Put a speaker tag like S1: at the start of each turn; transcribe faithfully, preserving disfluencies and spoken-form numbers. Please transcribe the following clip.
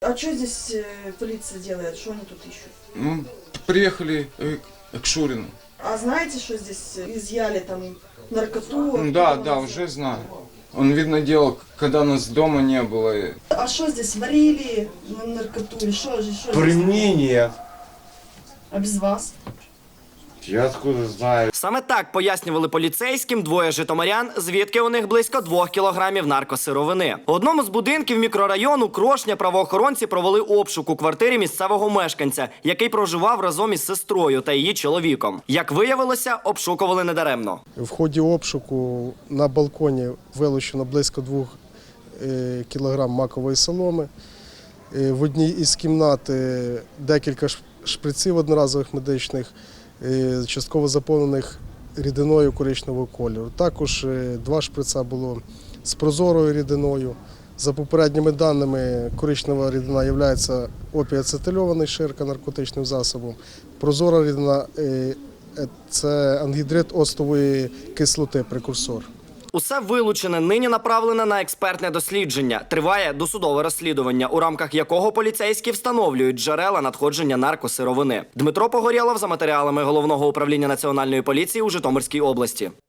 S1: А что здесь полиция делает? Что они тут ищут?
S2: Ну, приехали э, к Шурину.
S1: А знаете, что здесь изъяли там наркоту?
S2: Да, да, уже знаю. Он, видно, делал, когда нас дома не было.
S1: А что здесь варили на наркоту? Или что же? Что
S3: При
S1: здесь?
S3: мне нет.
S1: А без вас?
S3: Я откуда знаю?
S4: Саме так пояснювали поліцейським двоє житомирян, звідки у них близько двох кілограмів наркосировини. У одному з будинків мікрорайону Крошня правоохоронці провели обшук у квартирі місцевого мешканця, який проживав разом із сестрою та її чоловіком. Як виявилося, обшукували недаремно.
S5: В ході обшуку на балконі вилучено близько двох кілограм макової соломи. В одній із кімнат декілька шприців одноразових медичних, частково заповнених рідиною коричневого кольору. Також два шприца було з прозорою рідиною. За попередніми даними, коричнева рідина є опіацетильований ширка наркотичним засобом. Прозора рідина – це ангідрид оцтової кислоти, прекурсор.
S4: Усе вилучене нині направлене на експертне дослідження. Триває досудове розслідування, у рамках якого поліцейські встановлюють джерела надходження наркосировини. Дмитро Погорєлов за матеріалами Головного управління Національної поліції у Житомирській області.